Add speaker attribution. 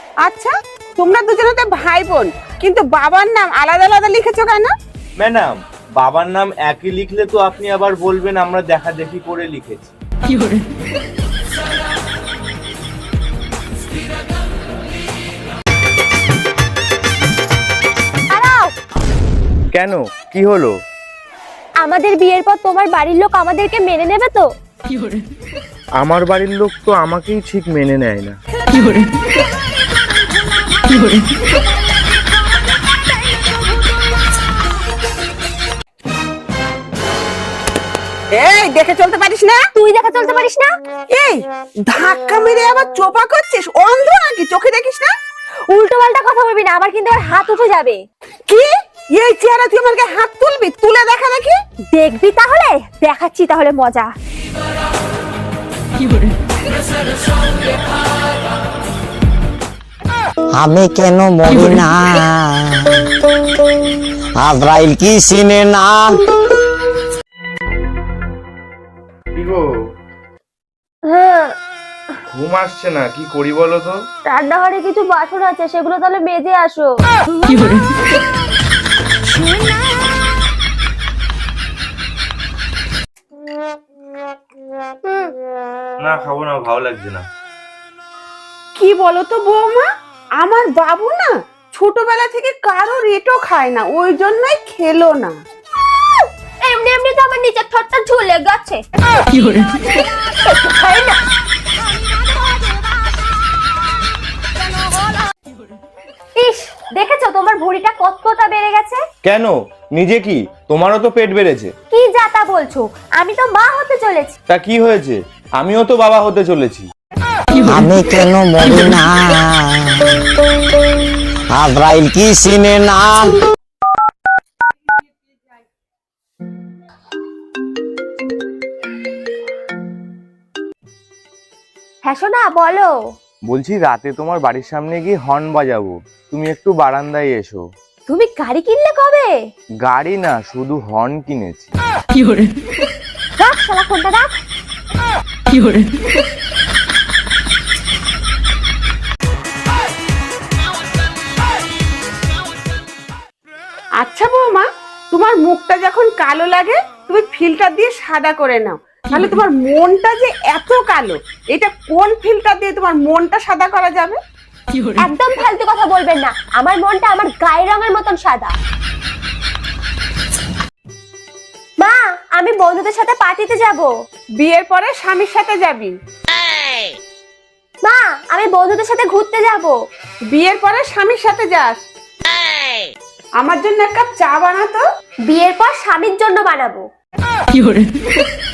Speaker 1: আচ্ছা, তোমরা দুজনে তো ভাই বোন, কিন্তু বাবার নাম আলাদা আলাদা লিখেছো কেন?
Speaker 2: ম্যাডাম, বাবার নাম একই লিখলে তো আপনি আবার বলবেন আমরা দেখা দেখি করে লিখেছি।
Speaker 3: দাঁড়াও,
Speaker 2: কেন, কি হলো?
Speaker 3: আমাদের বিয়ের পর তোমার বাড়ির লোক আমাদেরকে মেনে নেবে তো?
Speaker 2: আমার বাড়ির লোক তো আমাকেই ঠিক মেনে নেয় না।
Speaker 1: এই, দেখে চলতে পারিস না?
Speaker 3: তুই দেখা চলতে পারিস না?
Speaker 1: এই, ধাক্কা মেরে আবার চোপা করছিস? অন্ধ নাকি, চোখে দেখিস না?
Speaker 3: উল্টো পাল্টা কথা বলবি না, আমার কিন্তু আর হাত উঠে যাবে।
Speaker 1: কি, এই চেহারা তুই আমাকে হাত তুলবি? তুলে দেখা দেখি।
Speaker 3: দেখবি তাহলে, দেখাচ্ছি তাহলে মজা।
Speaker 4: আমি কেন মরি না, আজরাইল কি চিনে না।
Speaker 2: কি গো,
Speaker 3: হ্যাঁ,
Speaker 2: ঘুম আসছে না, কি করি বলো তো?
Speaker 3: রান্নাঘরে কিছু বাসন আছে, সেগুলো তাহলে মেজে আসো।
Speaker 2: না, খাবো না, ভালো লাগছে না।
Speaker 1: কি বলো তো বৌমা, আমার বাবু না ছোটবেলা থেকে কারো রেটও খায় না, ওই জন্যই খেলো না।
Speaker 3: এমনি এমনি তো আমার নিচের ঠোঁটটা ঝুলে গেছে। খাই না। ইস, দেখেছো তোমার ভুঁড়িটা কতটা বেড়ে গেছে?
Speaker 2: কেন, নিজে কি, তোমারও তো পেট বেড়েছে।
Speaker 3: কি যাতা বলছো, আমি তো মা হতে চলেছি।
Speaker 2: তা কি হয়েছে, আমিও তো বাবা হতে চলেছি।
Speaker 4: আমি কেন মরি না, আজরাইল কি চিনে না।
Speaker 3: হ্যাঁ সোনা, বলো।
Speaker 2: বলছি, রাতে তোমার বাড়ির সামনে গিয়ে হর্ন বাজাবো, তুমি একটু বারান্দায় এসো।
Speaker 3: তুমি গাড়ি কিনলে কবে?
Speaker 2: গাড়ি না, শুধু হর্ন কিনেছি।
Speaker 3: রাখ শালা ফোনটা, রাখ।
Speaker 1: আচ্ছা বৌমা, তোমার মুখটা যখন কালো লাগে তুমি ফিল্টার দিয়ে সাদা করে নাও, তাহলে তোমার মনটা যে এত কালো, এটা কোন ফিল্টার দিয়ে তোমার মনটা সাদা করা যাবে?
Speaker 3: একদম ফালতু কথা বলবেন না, আমার মনটা আমার গায়ের রঙের মতন সাদা। মা, আমি বন্ধুদের সাথে পার্টিতে যাব।
Speaker 1: বিয়ের পরে স্বামীর সাথে যাবি।
Speaker 3: মা, আমি বন্ধুদের সাথে ঘুরতে যাব।
Speaker 1: বিয়ের পরে স্বামীর সাথে যাস। আমার জন্য এক কাপ চা বানাতো।
Speaker 3: বিয়ের পর স্বামীর জন্য বানাবো।